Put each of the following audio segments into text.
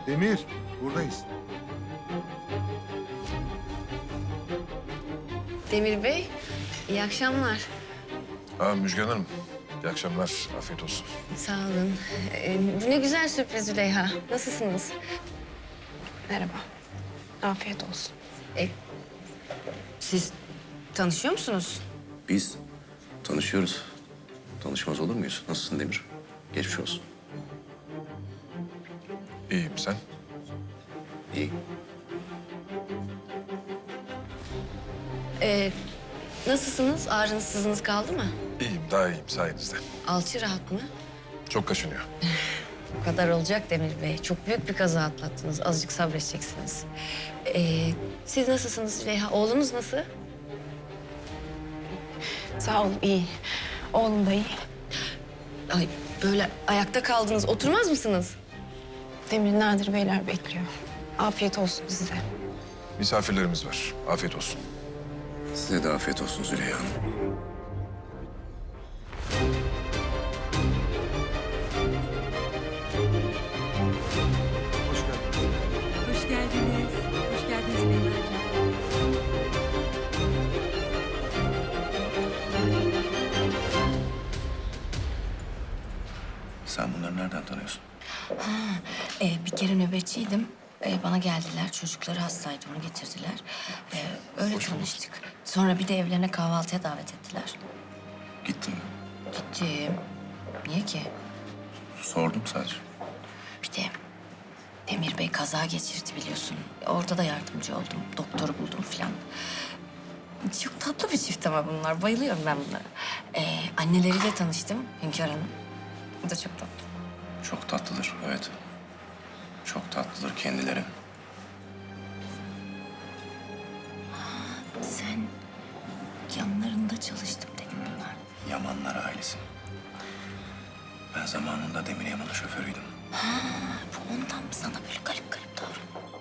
Demir, buradayız. Demir Bey, iyi akşamlar. Müjgan Hanım, iyi akşamlar, afiyet olsun. Sağ olun. Ne güzel sürpriz Züleyha. Nasılsınız? Merhaba. Afiyet olsun. Siz tanışıyor musunuz? Biz tanışıyoruz. Tanışmaz olur muyuz? Nasılsın Demir? Geçmiş olsun. İyiyim, sen? İyi. Nasılsınız? Ağrınız sızınız kaldı mı? İyiyim, daha iyiyim sayenizde. Alçı rahat mı? Çok kaşınıyor. Bu kadar olacak Demir Bey. Çok büyük bir kaza atlattınız. Azıcık sabredeceksiniz. Siz nasılsınız Züleyha? Oğlunuz nasıl? Sağ olun, iyi. Oğlum da iyi. Ay böyle ayakta kaldınız. Oturmaz mısınız? Demir Nadir Beyler bekliyor. Afiyet olsun size. Misafirlerimiz var, afiyet olsun. Size de afiyet olsun Züleyha Hanım. Hoş geldin. Hoş geldiniz. Hoş geldiniz Beylerciğim. Sen bunları nereden tanıyorsun? Bir kere nöbetçiydim. Bana geldiler. Çocukları hastaydı. Onu getirdiler. Öyle tanıştık. Sonra bir de evlerine kahvaltıya davet ettiler. Gittin mi? Gittim. Niye ki? Sordum sadece. Bir de Demir Bey kaza geçirdi biliyorsun. Orada da yardımcı oldum. Doktoru buldum falan. Çok tatlı bir çift ama bunlar. Bayılıyorum ben bunlara. Anneleriyle tanıştım Hünkar Hanım. Bu da çok tatlı. Çok tatlıdır, evet. Çok tatlıdır kendileri. Sen yanlarında çalıştım dedin bunlar. Yamanlar ailesi. Ben zamanında Demir Yaman'ın şoförüydüm. Bu ondan mı sana böyle garip garip davranıyor?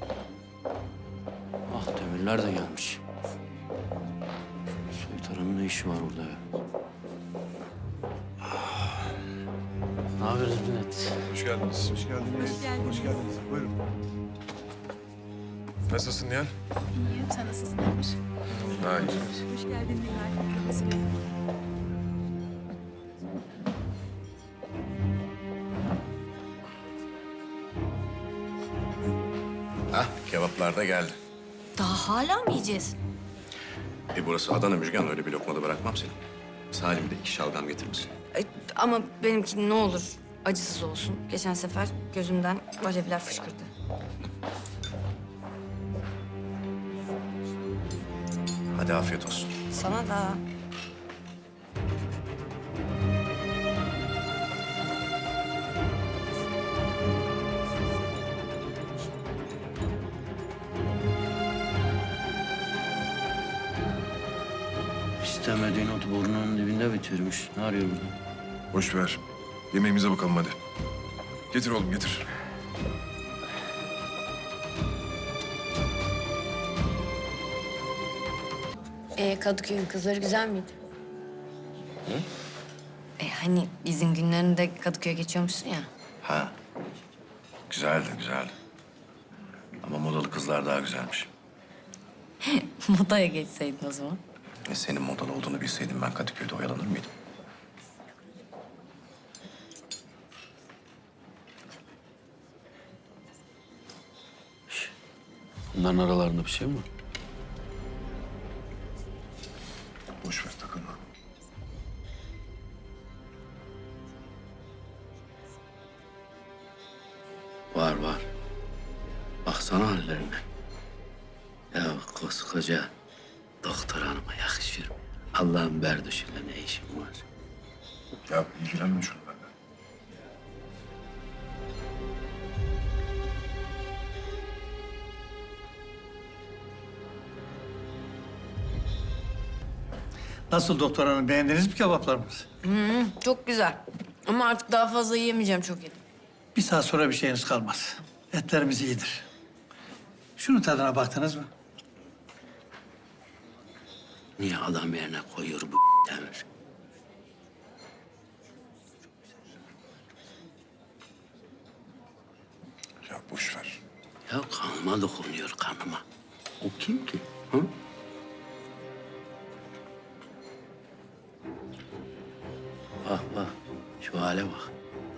Ah Demirler de gelmiş. Soytarının ne işi var orada ya? Ne haber Zümrüt? Hoş geldiniz. Hoş geldiniz. Hoş geldiniz. Hoş geldiniz. Buyurun. Nasılsın Nihal? İyiyim. Sen nasılsın Demir? Daha iyi. Hoş geldin Nihal. Nasıl iyi? Hah, kebaplar da geldi. Daha hala mı yiyeceğiz? Burası Adana Müjgan, öyle bir lokmada bırakmam seni. Salim de 2 şalgam getirir misin? Ama benimki ne olur acısız olsun. Geçen sefer gözümden alevler fışkırdı. Hadi afiyet olsun. Sana da. İstemediğin ot burnunun dibinde bitiyormuş. Ne arıyor burada? Boş ver. Yemeğimize bakalım hadi. Getir oğlum, getir. Kadıköy'ün kızları güzel miydi? Hani izin günlerinde Kadıköy'e geçiyormuşsun ya. Ha, güzeldi, güzeldi. Ama modalı kızlar daha güzelmiş. Modaya geçseydin o zaman. Senin modalı olduğunu bilseydim ben Kadıköy'de oyalanır mıydım? Bunların aralarında bir şey mi var? Boş ver, takılma. Var var. Baksana hallerine. Ya koskoca doktor hanıma yakışır mı? Allah'ın berduşuyla ne işin var? Ya ilgilenme şunu benden. Nasıl doktor hanım, beğendiniz mi kebaplarımızı? Çok güzel. Ama artık daha fazla yiyemeyeceğim, çok yedim. Bir saat sonra bir şeyiniz kalmaz. Etlerimiz iyidir. Şunun tadına baktınız mı? Niye adam yerine koyuyor bu Demir? Ya Boş ver. Ya kanıma dokunuyor kanıma. O kim ki? Hı? Bak bak. Şu hale bak.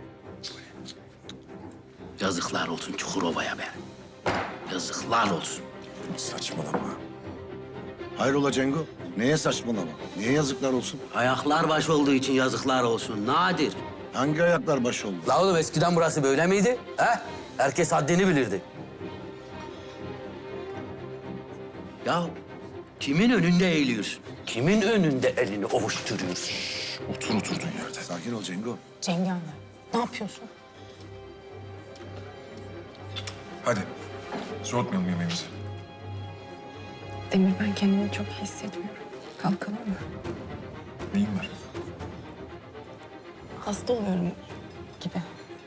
Yazıklar olsun Çukurova'ya be. Yazıklar olsun. Saçmalama. Hayrola Cengo? Neye saçmalama? Niye yazıklar olsun? Ayaklar baş olduğu için yazıklar olsun. Nadir. Hangi ayaklar baş oldu? La oğlum eskiden burası böyle miydi? He? Herkes haddini bilirdi. Ya kimin önünde eğiliyorsun? Kimin önünde elini ovuşturuyorsun? Otur oturduğun yerde. Sakin ol Cengo. Cengaver, ne yapıyorsun? Hadi. Soğutmayalım yemeğimizi. Demir, ben kendimi çok iyi hissetmiyorum. Kalkalım mı? Neyin var? Hasta oluyorum gibi.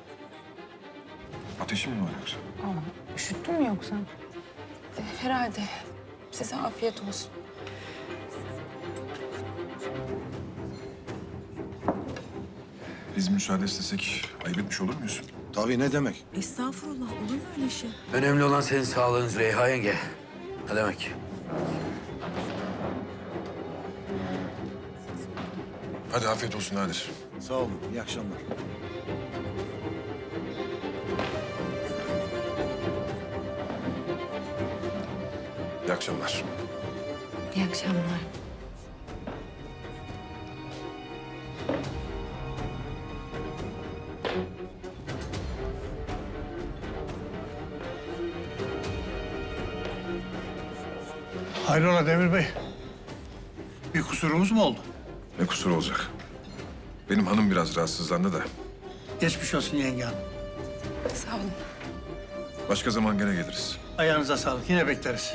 Ateşin mi var yoksa? Aa, üşüttün mü yoksa? Herhalde. Size afiyet olsun. Biz müsaade istesek ayıp etmiş olur muyuz? Tabii ne demek? Estağfurullah, olur mu öyle şey? Önemli olan senin sağlığın Züleyha yenge. Ne demek? Hadi afiyet olsun Nadir. Sağ olun. İyi akşamlar. İyi akşamlar. İyi akşamlar. Hayrola Demir Bey? Bir kusurumuz mu oldu? Ne kusur olacak? Benim hanım biraz rahatsızlandı da. Geçmiş olsun yenge hanım. Sağ olun. Başka zaman gene geliriz. Ayağınıza sağlık. Yine bekleriz.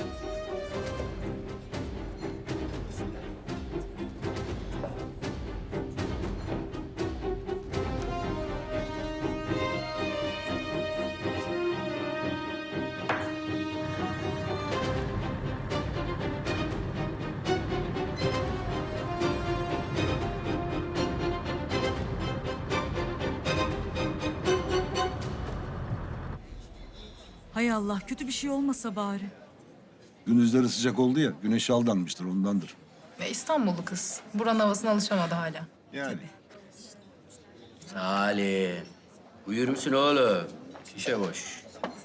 Hay Allah, kötü bir şey olmasa bari. Gündüzleri sıcak oldu ya. Güneşe aldanmıştır ondandır. Ve İstanbullu kız. Buranın havasına alışamadı hala. Yani. Salih. Uyur musun oğlum? Şişe boş.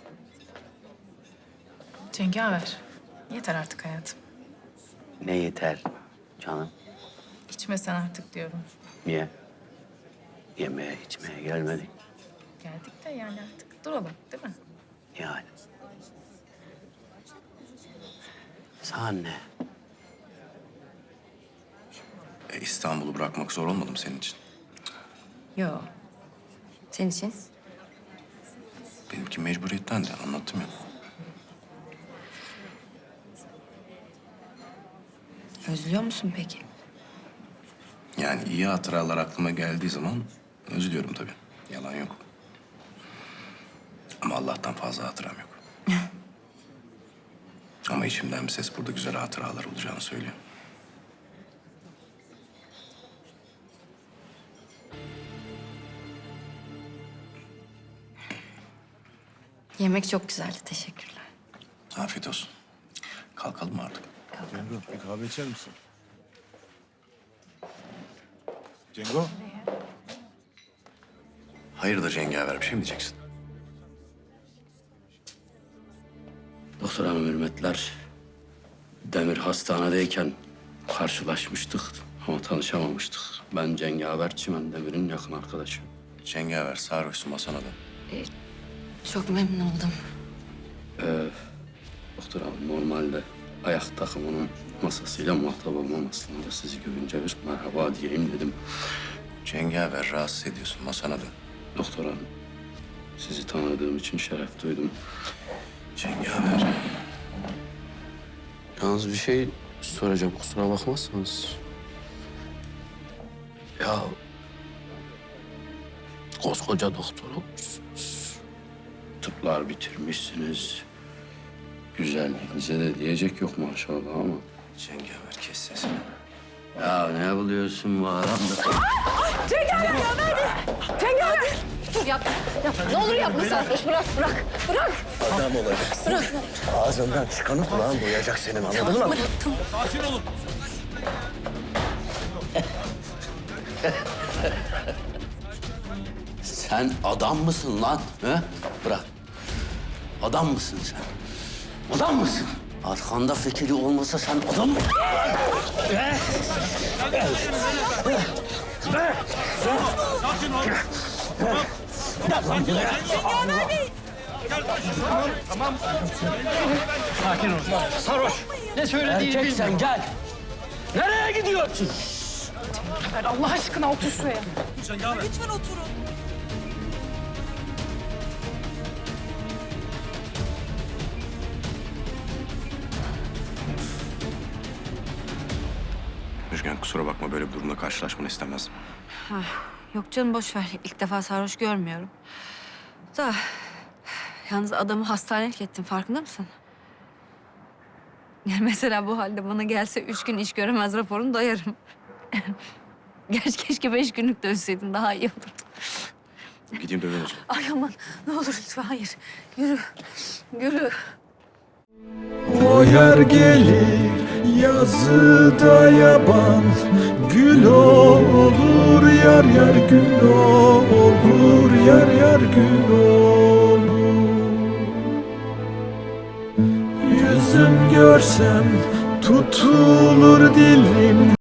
Cengaver. Yeter artık hayatım. Ne yeter canım? İçme sen artık diyorum. Niye? Yemeğe içmeye gelmedik. Geldik de yani artık duralım değil mi? Yani. Sana ne? İstanbul'u bırakmak zor olmadı mı senin için? Yo. Senin için? Benimki mecburiyetten de anlattım ya. Özlüyor musun peki? Yani iyi hatıralar aklıma geldiği zaman özlüyorum tabii. Yalan yok. Ama Allah'tan fazla hatıram yok. Ama içimden bir ses burada güzel hatıralar olacağını söylüyor. Yemek çok güzeldi. Teşekkürler. Afiyet olsun. Kalkalım mı artık? Cengo bir kahve içer misin? Cengo? Hayırdır cengaver bir şey mi diyeceksin? Doktor hanım hürmetler. Demir hastanedeyken karşılaşmıştık ama tanışamamıştık. Ben Cengaver Çimen Demir'in yakın arkadaşı. Cengaver sarhoşsun masana da. Çok memnun oldum. Doktor hanım normalde ayak takımının masasıyla muhatap olmam aslında. Sizi görünce bir merhaba diyeyim dedim. Cengaver rahatsız ediyorsun masana da. Doktor hanım, sizi tanıdığım için şeref duydum. Cengaver. Yalnız bir şey soracağım, kusura bakmazsanız. Ya koskoca doktor olmuşsunuz. Tıplar bitirmişsiniz. Güzelliğinize de diyecek yok maşallah ama. Cengaver kes sesini. Ya ne buluyorsun bu adamda? Cengaver ya, nerede? Cengaver! Dur yapma. Yapma. Ne olur yapma Sarhoş. Bırak. Adam olacaksın. Ağzından çıkanı kulağın duyacak senin, anladın mı? Tamam. Sen adam mısın lan? He? Bırak. Adam mısın sen? Adam mısın? Arkanda fikri olmasa sen adam mı? Sakin ol. Sarhoş. Ne söylediğini Erkek sen gel. Nereye gidiyorsun? Ver Allah aşkına otur şuraya. Lütfen oturun. Müjgan kusura bakma, böyle bir durumla karşılaşmanı istemezdim. Yok canım boş ver. İlk defa sarhoş görmüyorum. Da yalnız adamı hastanelik ettin, farkında mısın? Yani mesela bu halde bana gelse 3 gün iş göremez raporunu dayarım. Gerçi keşke 5 günlük dönseydin, daha iyi olurdu. Gideyim döveyim o zaman. Ay aman ne olur lütfen hayır. Yürü. Yürü. O yer gelir yazıda yaban, gül olur yar yar gül olur yar yar gül olur. Yüzüm görsem tutulur dilim.